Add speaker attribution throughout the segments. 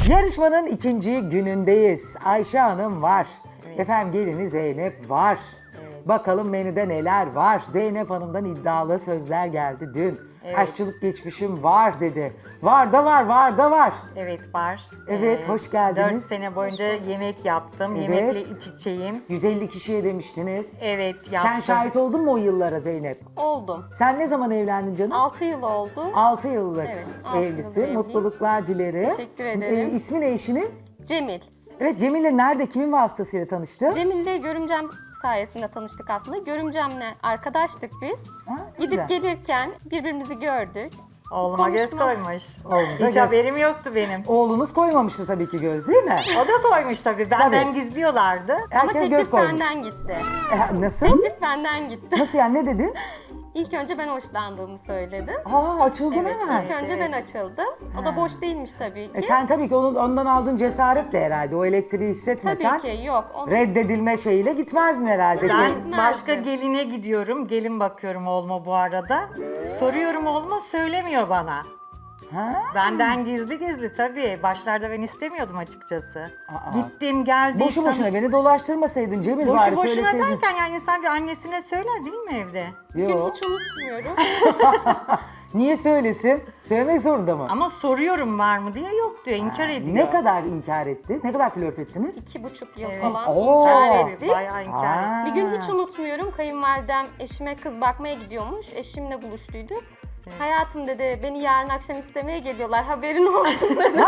Speaker 1: Yarışmanın ikinci günündeyiz. Ayşe Hanım var. Efendim gelini Zeynep var. Bakalım menüde neler var. Zeynep Hanım'dan iddialı sözler geldi dün. Aşçılık geçmişim var dedi. Var da var, var da var.
Speaker 2: Evet var.
Speaker 1: Evet, hoş geldiniz.
Speaker 2: 4 sene boyunca yemek yaptım.
Speaker 1: Evet.
Speaker 2: Yemekle iç içeyim.
Speaker 1: 150 kişiye demiştiniz.
Speaker 2: Evet yaptım.
Speaker 1: Sen şahit oldun mu o yıllara Zeynep?
Speaker 3: Oldum.
Speaker 1: Sen ne zaman evlendin canım?
Speaker 3: 6 yıl oldu.
Speaker 1: 6 yıllık
Speaker 3: Evet, 6 yıldır
Speaker 1: evlisi.
Speaker 3: evliyim.
Speaker 1: Mutluluklar dilerim.
Speaker 3: Teşekkür ederim.
Speaker 1: İsmi ne eşinin?
Speaker 3: Cemil.
Speaker 1: Evet, Cemil'le nerede, kimin vasıtasıyla tanıştın?
Speaker 3: Cemil'le görümcem sayesinde tanıştık aslında. Görümcemle arkadaştık biz.
Speaker 1: Ha, ne
Speaker 3: Gidip
Speaker 1: güzel.
Speaker 3: gelirken birbirimizi gördük.
Speaker 2: Oğluma göz
Speaker 3: Konuşma.
Speaker 2: koymuş.
Speaker 1: Oğlunuza
Speaker 2: Hiç
Speaker 1: göz-
Speaker 2: haberim yoktu benim.
Speaker 1: Oğlunuz koymamıştı tabii ki göz, değil mi?
Speaker 2: O da koymuş tabii. Benden
Speaker 1: Tabii.
Speaker 2: gizliyorlardı.
Speaker 3: Ama
Speaker 1: Herkes göz
Speaker 3: teklif
Speaker 1: koymuş.
Speaker 3: benden gitti.
Speaker 1: Nasıl?
Speaker 3: Teklif benden gitti.
Speaker 1: Nasıl yani, ne dedin?
Speaker 3: İlk önce ben hoşlandığımı söyledim.
Speaker 1: Aa, açıldın hemen.
Speaker 3: İlk önce ben açıldım. O da boş değilmiş tabii ki.
Speaker 1: Sen tabii ki ondan aldığın cesaretle herhalde o elektriği hissetmesen
Speaker 3: Tabii ki yok. Onu
Speaker 1: reddedilme şeyiyle gitmezdin herhalde.
Speaker 2: Ben
Speaker 3: Gitmezdim.
Speaker 2: başka geline gidiyorum. Gelin bakıyorum oğluma bu arada. Soruyorum oğluma, söylemiyor bana.
Speaker 1: Ha?
Speaker 2: Benden gizli gizli tabii. Başlarda ben istemiyordum açıkçası.
Speaker 1: Aa.
Speaker 2: Gittim geldim.
Speaker 1: Boşu boşuna beni dolaştırmasaydın Cemil, bari
Speaker 2: Boşu boşuna
Speaker 1: söyleseydin.
Speaker 2: derken yani insan bir annesine söyler değil mi evde?
Speaker 3: bugün
Speaker 1: Yok.
Speaker 3: hiç unutmuyorum.
Speaker 1: Niye söylesin? Söylemek zorunda mı?
Speaker 2: Ama soruyorum var mı diye, yok diyor, inkar ediyor.
Speaker 1: Ne kadar inkar etti? Ne kadar flört ettiniz?
Speaker 3: 2,5 yıl
Speaker 2: Evet.
Speaker 3: falan
Speaker 1: Oo.
Speaker 3: inkar
Speaker 2: Tabii,
Speaker 3: ettik.
Speaker 2: bayağı inkar
Speaker 1: Aa.
Speaker 2: etti.
Speaker 3: Bir gün hiç unutmuyorum. Kayınvalidem eşime kız bakmaya gidiyormuş. Eşimle buluştuyduk. Hayatım dedi, beni yarın akşam istemeye geliyorlar, haberin olsun dedi.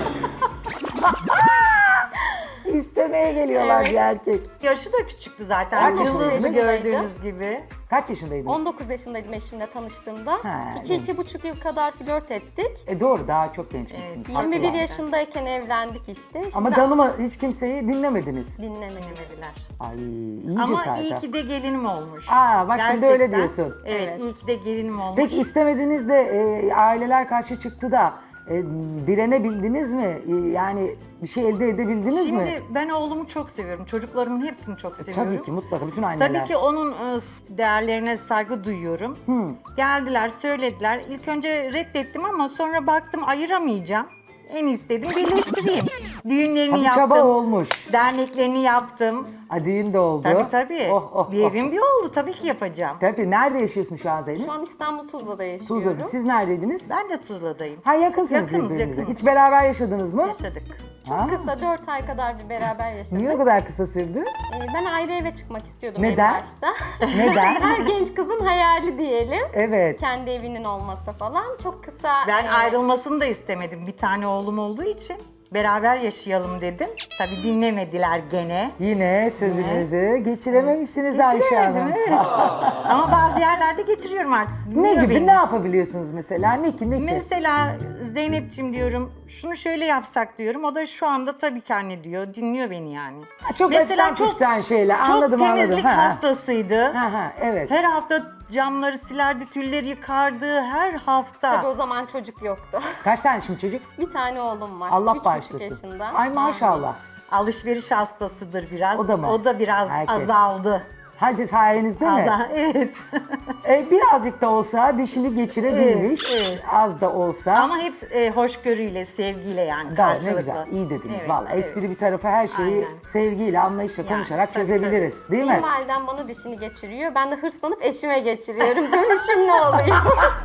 Speaker 1: İstemeye geliyorlar
Speaker 3: Evet.
Speaker 1: bir erkek.
Speaker 2: Yaşı da küçüktü zaten.
Speaker 1: Kaç
Speaker 2: Yıldızlı
Speaker 3: yaşındaydın?
Speaker 2: gördüğünüz gibi.
Speaker 1: Kaç yaşındaydınız?
Speaker 3: 19 yaşındaydım eşimle tanıştığımda.
Speaker 1: Ha,
Speaker 3: 2-2,5 yıl kadar flört ettik.
Speaker 1: Doğru, daha çok gençmişsiniz.
Speaker 2: Evet,
Speaker 3: 21
Speaker 1: Haklılar.
Speaker 3: yaşındayken evlendik işte. Şimdi
Speaker 1: Ama tanıma hiç kimseyi dinlemediniz.
Speaker 3: dinlemedim.
Speaker 2: Dinlemediler.
Speaker 1: Ay, iyi
Speaker 2: Ama
Speaker 1: cesaret.
Speaker 2: iyi ki de gelinim olmuş.
Speaker 1: Aa, bak şimdi öyle
Speaker 2: Gerçekten.
Speaker 1: diyorsun.
Speaker 2: Evet,
Speaker 3: Evet.
Speaker 2: iyi ki de gelinim olmuş.
Speaker 1: Peki istemediniz de aileler karşı çıktı da direnebildiniz mi? Yani bir şey elde edebildiniz
Speaker 2: Şimdi
Speaker 1: mi?
Speaker 2: ben oğlumu çok seviyorum. Çocuklarımın hepsini çok seviyorum.
Speaker 1: Tabii ki, mutlaka bütün anneler.
Speaker 2: Tabii ki onun değerlerine saygı duyuyorum. Geldiler, söylediler. İlk önce reddettim ama sonra baktım ayıramayacağım. En istedim birleştireyim. Düğünlerini
Speaker 1: Tabii
Speaker 2: yaptım.
Speaker 1: çaba olmuş.
Speaker 2: Derneklerini yaptım.
Speaker 1: Düğün de oldu.
Speaker 2: Tabii tabii.
Speaker 1: Oh, oh,
Speaker 2: bir
Speaker 1: oh.
Speaker 2: evim bir oldu. Tabii ki yapacağım.
Speaker 1: Tabii, nerede yaşıyorsun şu an Zeynep?
Speaker 3: Şu an İstanbul Tuzla'da yaşıyorum.
Speaker 1: Tuzla'da. Siz neredeydiniz?
Speaker 2: Ben de Tuzla'dayım.
Speaker 1: Ha, yakınsınız
Speaker 2: Yakınız,
Speaker 1: birbirinize.
Speaker 2: yakınız.
Speaker 1: Hiç beraber yaşadınız mı?
Speaker 2: Yaşadık.
Speaker 1: Ha?
Speaker 3: Kısa 4 ay kadar bir beraber yaşadık.
Speaker 1: Niye o kadar kısa sürdü?
Speaker 3: Ben ayrı eve çıkmak istiyordum
Speaker 1: Neden?
Speaker 3: en başta.
Speaker 1: Neden?
Speaker 3: Her genç kızın hayali diyelim.
Speaker 1: Evet.
Speaker 3: Kendi evinin olması falan. Çok kısa.
Speaker 2: Ben ayrılmasını da istemedim. Bir tane oğlum olduğu için beraber yaşayalım dedim. Tabii dinlemediler gene.
Speaker 1: Yine sözünüzü geçirememişsiniz Ayşe Hanım.
Speaker 2: Geçiremedim, evet. Ama bazı yerlerde geçiriyorum artık.
Speaker 1: Ne
Speaker 2: Dinliyor
Speaker 1: gibi,
Speaker 2: beni.
Speaker 1: ne yapabiliyorsunuz mesela? Ne ki?
Speaker 2: Mesela Zeynep'ciğim diyorum, şunu şöyle yapsak diyorum. O da şu anda tabii ki anne diyor. Dinliyor beni yani.
Speaker 1: Çok etten püften şeyler.
Speaker 2: çok
Speaker 1: Anladım,
Speaker 2: temizlik
Speaker 1: anladım.
Speaker 2: hastasıydı.
Speaker 1: Ha, evet.
Speaker 2: Her hafta camları silerdi, tülleri yıkardı her hafta.
Speaker 3: Tabii o zaman çocuk yoktu.
Speaker 1: Kaç tane şimdi çocuk?
Speaker 3: Bir tane oğlum var.
Speaker 1: Allah
Speaker 3: 3,5
Speaker 1: bağışlasın.
Speaker 3: yaşında.
Speaker 1: Ay maşallah.
Speaker 2: Alışveriş hastasıdır biraz.
Speaker 1: O da mı?
Speaker 2: O da biraz
Speaker 1: Herkes.
Speaker 2: azaldı.
Speaker 1: Hadi sayenizde mi?
Speaker 2: Evet.
Speaker 1: Birazcık da olsa dişini geçirebilmiş.
Speaker 2: Evet, evet.
Speaker 1: Az da olsa.
Speaker 2: Ama hep hoşgörüyle, sevgiyle yani
Speaker 1: Gayet
Speaker 2: karşılıklı.
Speaker 1: ne güzel, iyi dediniz
Speaker 2: Evet,
Speaker 1: valla.
Speaker 2: evet.
Speaker 1: Espri bir tarafa, her şeyi
Speaker 2: Aynen.
Speaker 1: sevgiyle, anlayışla
Speaker 2: Yani,
Speaker 1: konuşarak
Speaker 2: tabii,
Speaker 1: çözebiliriz. Değil mi?
Speaker 3: Kayınvalidem bana dişini geçiriyor. Ben de hırslanıp eşime geçiriyorum. Dönüşüm ne oluyor?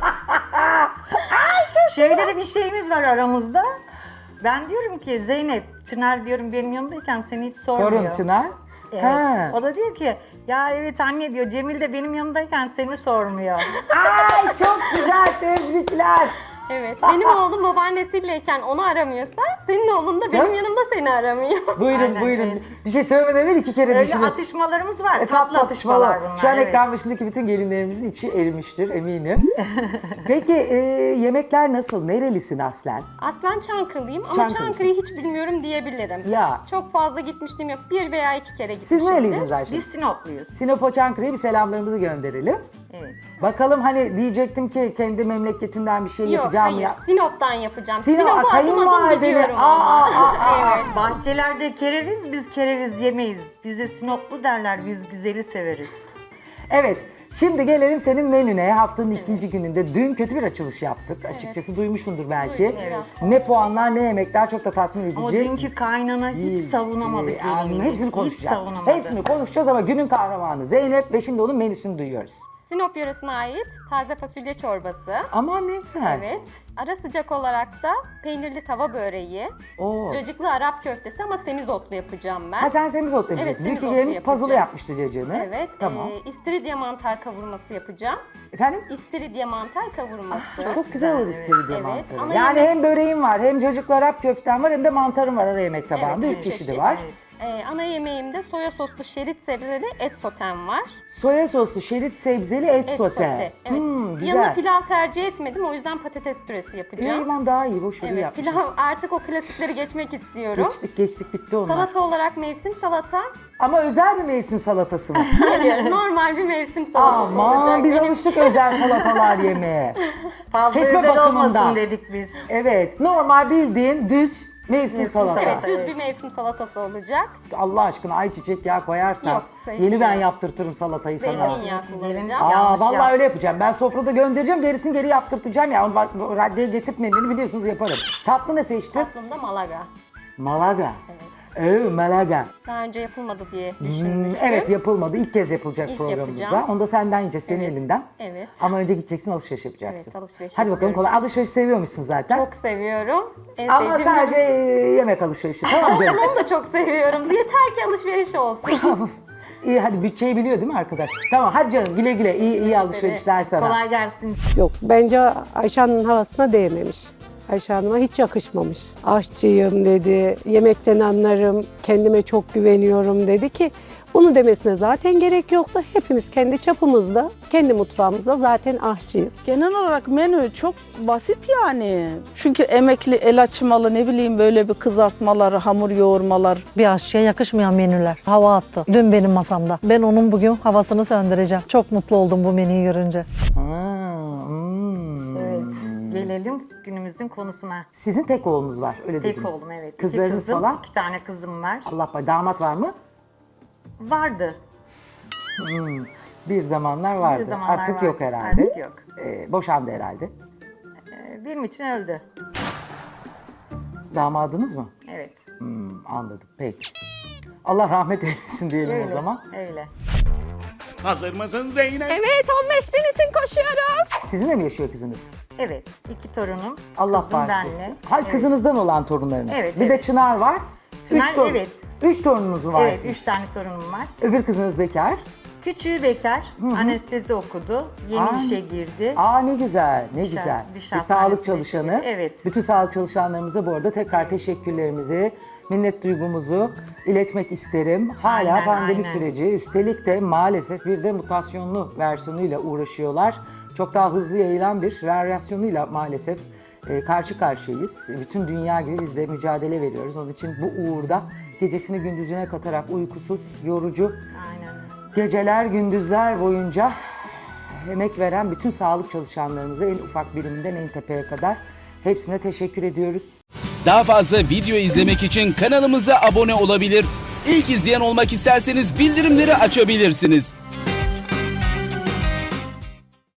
Speaker 2: Şöyle de bir şeyimiz var aramızda. Ben diyorum ki Zeynep, Çınar diyorum benim yanımdayken seni hiç sormuyor.
Speaker 1: Torun Çınar.
Speaker 2: Evet.
Speaker 1: Ha.
Speaker 2: O da diyor ki ya evet anne diyor, Cemil de benim yanımdayken seni sormuyor.
Speaker 1: Ay çok güzel, tebrikler.
Speaker 3: Evet. Benim oğlum babaannesiyleyken onu aramıyorsa senin oğlun da benim
Speaker 1: Ya.
Speaker 3: yanımda seni aramıyor.
Speaker 1: Buyurun
Speaker 2: Aynen,
Speaker 1: buyurun.
Speaker 2: evet.
Speaker 1: Bir şey söylemeden evvel 2 kere
Speaker 2: Öyle
Speaker 1: düşünün.
Speaker 2: atışmalarımız var.
Speaker 1: Tatlı
Speaker 2: Tatlı atışmalar bunlar.
Speaker 1: Şu an
Speaker 2: evet.
Speaker 1: ekran başındaki bütün gelinlerimizin içi erimiştir eminim. Peki yemekler nasıl? Nerelisin aslen?
Speaker 3: Aslen Çankırılıyım ama
Speaker 1: Çankırılısın.
Speaker 3: Çankırı'yı hiç bilmiyorum diyebilirim.
Speaker 1: Ya.
Speaker 3: Çok fazla gitmişliğim yok. 1 veya 2 kere gitmişimdir.
Speaker 1: Siz nereliydiniz Ayşe?
Speaker 2: Biz Sinopluyuz.
Speaker 1: Sinop'a, Çankırı'ya bir selamlarımızı gönderelim.
Speaker 2: Evet.
Speaker 1: Bakalım, hani diyecektim ki kendi memleketinden bir şey
Speaker 3: Yok,
Speaker 1: yapacağım
Speaker 3: hayır.
Speaker 1: ya.
Speaker 3: Sinop'tan yapacağım.
Speaker 1: Sinop,
Speaker 3: Sinop'u adım
Speaker 1: kayınvalideni-
Speaker 3: biliyorum
Speaker 1: Aa,
Speaker 3: ama. Evet.
Speaker 2: Bahçelerde kereviz, biz kereviz yemeyiz. Bize Sinoplu derler, biz güzeli severiz.
Speaker 1: Evet, şimdi gelelim senin menüne. Haftanın ikinci gününde. Dün kötü bir açılış yaptık. Açıkçası duymuşsundur belki.
Speaker 3: Duydum, evet.
Speaker 1: Ne puanlar ne yemekler çok da tatmin edici.
Speaker 2: Ama dünkü kaynana hiç savunamadı gelinini.
Speaker 1: Hepsini
Speaker 2: Hiç
Speaker 1: konuşacağız.
Speaker 2: savunamadı.
Speaker 1: Hepsini konuşacağız ama günün kahramanı Zeynep ve şimdi onun menüsünü duyuyoruz.
Speaker 3: Sinop yöresine ait taze fasulye çorbası.
Speaker 1: Aman ne güzel.
Speaker 3: Evet. Ara sıcak olarak da peynirli tava böreği,
Speaker 1: Oo.
Speaker 3: cacıklı Arap köftesi ama semizotlu yapacağım ben.
Speaker 1: Ha sen semizotlu
Speaker 3: Evet,
Speaker 1: yapacaksın. Dünkü
Speaker 3: semizotlu
Speaker 1: gelimiz
Speaker 3: yapacağım.
Speaker 1: puzzle yapmıştı cacığını.
Speaker 3: Evet.
Speaker 1: Tamam.
Speaker 3: İstiridye mantar kavurması yapacağım.
Speaker 1: Efendim?
Speaker 3: İstiridye mantar kavurması.
Speaker 1: Çok güzel olur istiridye
Speaker 3: Evet,
Speaker 1: mantarı.
Speaker 3: ama
Speaker 1: Yani
Speaker 3: yemek-
Speaker 1: hem böreğim var, hem cacıklı Arap köftem var, hem de mantarım var ara yemek tabağında.
Speaker 3: Evet,
Speaker 1: 3
Speaker 3: evet,
Speaker 1: çeşidi
Speaker 3: çeşit,
Speaker 1: var.
Speaker 2: evet.
Speaker 3: Ana yemeğimde soya soslu şerit sebzeli et sotem var.
Speaker 1: Soya soslu şerit sebzeli et sote.
Speaker 3: Evet.
Speaker 1: Güzel.
Speaker 3: Yanına pilav tercih etmedim. O yüzden patates püresi yapacağım.
Speaker 1: Aman daha iyi, boş
Speaker 3: Evet,
Speaker 1: yapmışım.
Speaker 3: pilav artık o klasikleri geçmek istiyorum.
Speaker 1: Geçtik bitti onlar.
Speaker 3: Salata olarak mevsim salata.
Speaker 1: Ama özel bir mevsim salatası mı?
Speaker 3: Hayır, normal bir mevsim salatası olacak.
Speaker 1: Aman biz
Speaker 3: Benim-
Speaker 1: alıştık özel salatalar yemeye.
Speaker 2: Fazla
Speaker 1: Kesme
Speaker 2: özel
Speaker 1: bakımından.
Speaker 2: olmasın dedik biz.
Speaker 1: Evet, normal bildiğin düz mevsim salata.
Speaker 3: Evet, düz bir mevsim salatası olacak.
Speaker 1: Allah aşkına ayçiçek yağı koyarsan
Speaker 3: Yok,
Speaker 1: yeniden
Speaker 3: zeytinyağı.
Speaker 1: yaptırtırım salatayı sana.
Speaker 3: Zeytinyağı kullanacağım.
Speaker 1: Aa
Speaker 2: Yanlış
Speaker 1: vallahi
Speaker 2: yap.
Speaker 1: öyle yapacağım. Ben sofrada göndereceğim, gerisini geri yaptırtacağım ya. Onu bak raddeye getirtmeyin beni, biliyorsunuz yaparım. Tatlı ne seçtin?
Speaker 3: Tatlımda Malaga.
Speaker 1: Malaga. Malaga.
Speaker 3: Daha önce yapılmadı diye düşünmüştüm.
Speaker 1: Evet yapılmadı. İlk kez yapılacak
Speaker 3: İlk
Speaker 1: programımızda.
Speaker 3: yapacağım.
Speaker 1: Onu da senden yiyeceğiz, senin
Speaker 3: Evet,
Speaker 1: elinden.
Speaker 3: evet.
Speaker 1: Ama önce gideceksin, alışveriş yapacaksın.
Speaker 3: Evet, alışveriş
Speaker 1: Hadi bakalım,
Speaker 3: yapıyorum.
Speaker 1: kolay. Alışveriş seviyormuşsun zaten.
Speaker 3: Çok seviyorum. En
Speaker 1: Ama
Speaker 3: sevdiğim
Speaker 1: sadece yemek alışverişi. Tamam canım.
Speaker 3: Onu da çok seviyorum. Yeter ki alışveriş olsun.
Speaker 1: İyi hadi, bütçeyi biliyor değil mi arkadaş? Tamam hadi canım, güle güle. İyi alışverişler sana.
Speaker 2: Kolay gelsin.
Speaker 4: Yok, bence Ayşe Hanım'ın havasına değmemiş. Ayşe Hanım'a hiç yakışmamış. Aşçıyım dedi, yemekten anlarım, kendime çok güveniyorum dedi ki bunu demesine zaten gerek yoktu. Hepimiz kendi çapımızda, kendi mutfağımızda zaten aşçıyız.
Speaker 5: Genel olarak menü çok basit yani. Çünkü emekli, el açmalı, ne bileyim böyle bir kızartmalar, hamur yoğurmalar.
Speaker 6: Bir aşçıya yakışmayan menüler. Hava attı. Dün benim masamda. Ben onun bugün havasını söndüreceğim. Çok mutlu oldum bu menüyü görünce.
Speaker 2: Evet. Gelelim günümüzün konusuna.
Speaker 1: Sizin tek oğlunuz var, öyle
Speaker 2: Tek
Speaker 1: dediniz.
Speaker 2: oğlum evet.
Speaker 1: Kızlarınız
Speaker 2: İki kızım,
Speaker 1: falan?
Speaker 2: 2 tane kızım var.
Speaker 1: Allah damat var mı?
Speaker 2: Vardı.
Speaker 1: Bir zamanlar vardı.
Speaker 2: Bir zamanlar
Speaker 1: Artık
Speaker 2: vardı.
Speaker 1: yok herhalde.
Speaker 2: Artık yok.
Speaker 1: Boşandı herhalde.
Speaker 2: Benim için öldü.
Speaker 1: Damadınız mı?
Speaker 2: Evet.
Speaker 1: Anladım. Peki. Allah rahmet eylesin diyelim
Speaker 2: Öyle.
Speaker 1: o zaman.
Speaker 2: Öyle.
Speaker 7: Hazır mısın Zeynep?
Speaker 3: Evet, 15 bin için koşuyoruz.
Speaker 1: Sizinle mi yaşıyor kızınız?
Speaker 2: Evet. 2 torunum.
Speaker 1: Allah
Speaker 2: kızım
Speaker 1: bağışlasın.
Speaker 2: benle.
Speaker 1: Hayır,
Speaker 2: Evet.
Speaker 1: kızınızdan olan torunlarınız.
Speaker 2: Evet,
Speaker 1: Bir de
Speaker 2: evet.
Speaker 1: Çınar var.
Speaker 2: Çınar, evet.
Speaker 1: 3 torununuz mu var?
Speaker 2: Evet,
Speaker 1: sizin?
Speaker 2: 3 tane torunum var.
Speaker 1: Öbür kızınız bekar.
Speaker 2: Küçüğü bekar, anestezi okudu, yeni
Speaker 1: Aa,
Speaker 2: işe girdi.
Speaker 1: Aa ne güzel, ne
Speaker 2: Diş-
Speaker 1: güzel.
Speaker 2: diş
Speaker 1: Bir sağlık
Speaker 2: hastanesine
Speaker 1: çalışanı.
Speaker 2: girdi, evet.
Speaker 1: Bütün sağlık çalışanlarımıza bu arada tekrar teşekkürlerimizi, minnet duygumuzu iletmek isterim. Hala
Speaker 2: Aynen,
Speaker 1: pandemi
Speaker 2: aynen.
Speaker 1: süreci, üstelik de maalesef bir de mutasyonlu versiyonuyla uğraşıyorlar. Çok daha hızlı yayılan bir varyasyonuyla maalesef karşı karşıyayız. Bütün dünya gibi biz de mücadele veriyoruz. Onun için bu uğurda gecesini gündüzüne katarak uykusuz, yorucu,
Speaker 2: Aynen.
Speaker 1: geceler, gündüzler boyunca emek veren bütün sağlık çalışanlarımıza en ufak biriminden en tepeye kadar hepsine teşekkür ediyoruz.
Speaker 8: Daha fazla video izlemek için kanalımıza abone olabilir. İlk izleyen olmak isterseniz bildirimleri açabilirsiniz.